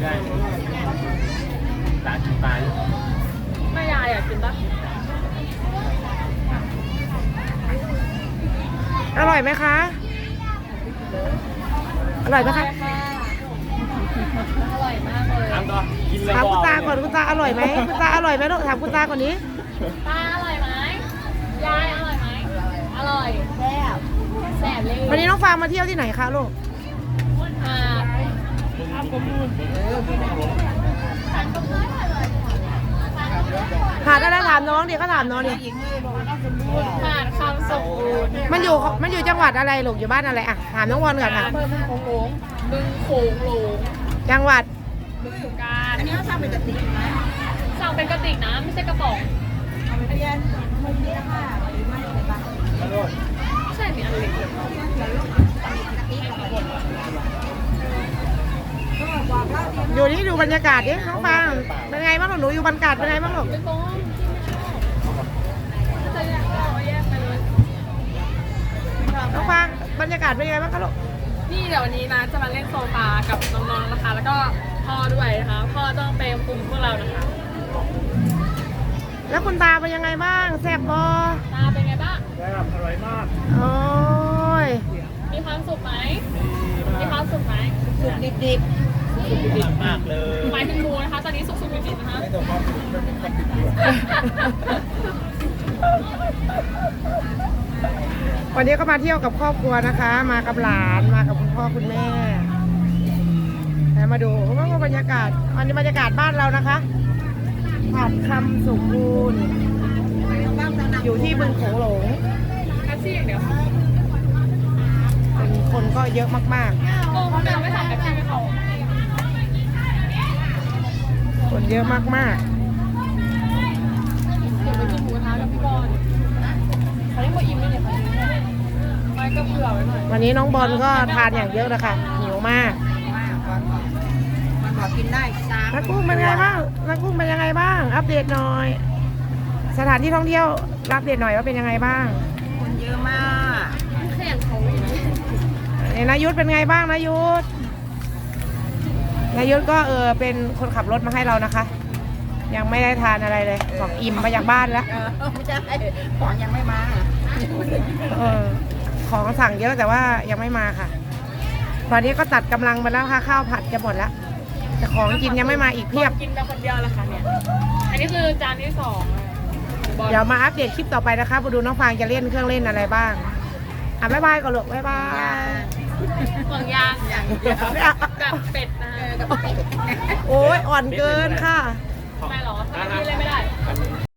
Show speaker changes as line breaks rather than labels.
ได้ร้านกินปลา
แม่ยายอยากกินปะ
อร่อยไหมคะ อร่อยไหมคะ
อร่อยมากเลย
ถามต่อกินเลย
ถามคุณตาก่อนคุณตาอร่อยไหมคุณตาอร่อยไหมลูกถามคุณตาก่อนนี้
ตาอร่อยไหมยายอร่อยไหมอร่อยแซ่บแซ่บเลย
วันนี้น้องฟางมาเที่ยวที่ไหนคะลูก
อ่า
หาดอะไรถามน้องดิก็ถามน้องดิ
หาดคำสมบูรณ์
มันอยู่จังหวัดอะไรลูกอยู่บ้านอะไรอ่ะถามน้องวอนก่อนค่ะ
บึงโขงหลงบึงโขงหลง
จังหวัด
บึงการอันนี้สั่งเป็นกระติกนะสั่งเป็นกระติกนะไม่ใช่กระป๋องใช่มีอันเล็ก
อยู่นี่ดูบรรยากาศดิน้องฟางเป็นไงบ้างลูกหนูอยู่บรรยากาศเป็นไงบ้างลูก
ไม่ต้องจะแยกก็แยกไปเลย
น้องฟางบรรยากาศเป็นไงบ้างคะลูก
นี่เดี๋ยววันนี้นะจะมาเล่นโซฟากับน้องๆนะคะ แล้วก็พ่อด้วยนะคะพ่อต้องไปคุมพวกเรานะคะ
แล้วคุณตาเป็นยังไงบ้างแซ่บบอ
ตาเป็นไงบ้าง
แบบอร่อยมาก
โอ้ย
มีความสุขไหมมีความสุขไหม
สุกดิบมากเลย
หมายถึงหมูนะคะ ตอนนี้สุกๆดิบๆนะคะ
ไม่ต้องความสุขมันเป็นความดิบด้วย
วันนี้ก็มาเที่ยวกับครอบครัวนะคะ มากับหลานมากับคุณพ่อคุณแม่แล้วมาดูว่าบรรยากาศวันนี้บรรยากาศบ้านเรานะคะหาดคำสมบูรณ์อยู่ที่บึงโขงหลง
แท็กซี่อย่างเดียว
เป็นคนก็เยอะมาก
โอ้เขาเดินไม่สั่งแท็กซี่ให้เขา
ๆ คนเยอะมาก
เดี๋ยวไปกินหมูกระทะกับพี่บอลเขาเรียกว่าอิ่มไม่เนี่ยค่ะไม่ก็เผื่อไว้หน่อย
ๆ วันนี้น้องบอลก็ทานอย่างเยอะนะคะหิวมาก
มันบอกกินได้จ้า
นักกุ้งเป็นไงบ้างนักกุ้งเป็นยังไงบ้าง อัปเดตหน่อย สถานที่ท่องเที่ยวอัปเดตหน่อยว่าเป็นยังไงบ้าง
คนเยอะมาก
แค่อย่างเขาอีกนะ
นายุทธเป็นไงบ้างนายุทธนายุทธก็เป็นคนขับรถมาให้เรานะคะ ยังไม่ได้ทานอะไรเลยบอกอิ่มมาจากบ้านแล้ว
ไม่ใช่ของยังไม่มา
ของสั่งเยอะแต่ว่ายังไม่มาค่ะ ตอนนี้ก็ตัดกำลังไปแล้วค่ะข้าวผัดจะหมดแล้วแต่ของกินยังไม่มาอีกเพียบ
กินไปคนเดียวละค่ะเนี่ยอันนี้คือจานที่สองบอล
เดี๋ยวมาอัปเดตคลิปต่อไปนะคะมาดูน้องฟางจะเล่นเครื่องเล่นอะไรบ้างบ๊ายบายก่อนลูกบ๊ายบาย
ห่วงยาง
อย่างเดียว
กับเป็ดนะ
กับเป็ด
โอ้ยอ่อนเกินค่ะ
เ